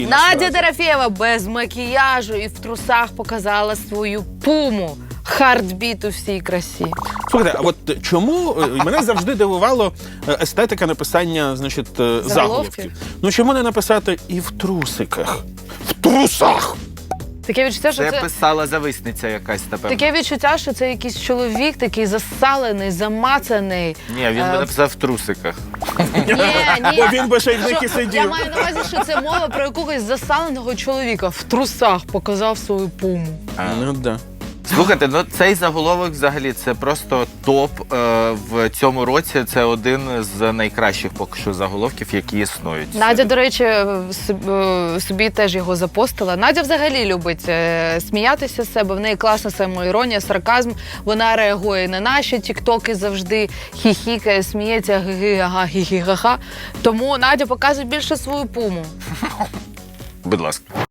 Надя Дорофєєва без макіяжу і в трусах показала свою пуму. Хардбіт у всій красі. Слухайте, а от чому мене завжди дивувало естетика написання, значить, заголовків. Ну чому не написати і в трусиках? В трусах! Таке відчуття, що Це це... писала зависниця якась, напевно. Таке відчуття, що це якийсь чоловік такий засалений, замацаний. Ні, він би написав в трусиках. Ні. Бо він би ще й в них і Я сидів. маю на увазі, що це мова про якогось засаленого чоловіка в трусах показав свою пуму. Ну да. Слухайте, ну цей заголовок взагалі це просто топ в цьому році. Це один з найкращих поки що заголовків, які існують. Надя, до речі, собі теж його запостила. Надя взагалі любить сміятися з себе. В неї класна самоіронія, сарказм. Вона реагує на наші тіктоки завжди, хіхікає, сміється, ги-га, хі-хі-га-га. Тому Надя показує більше свою пуму. Будь ласка.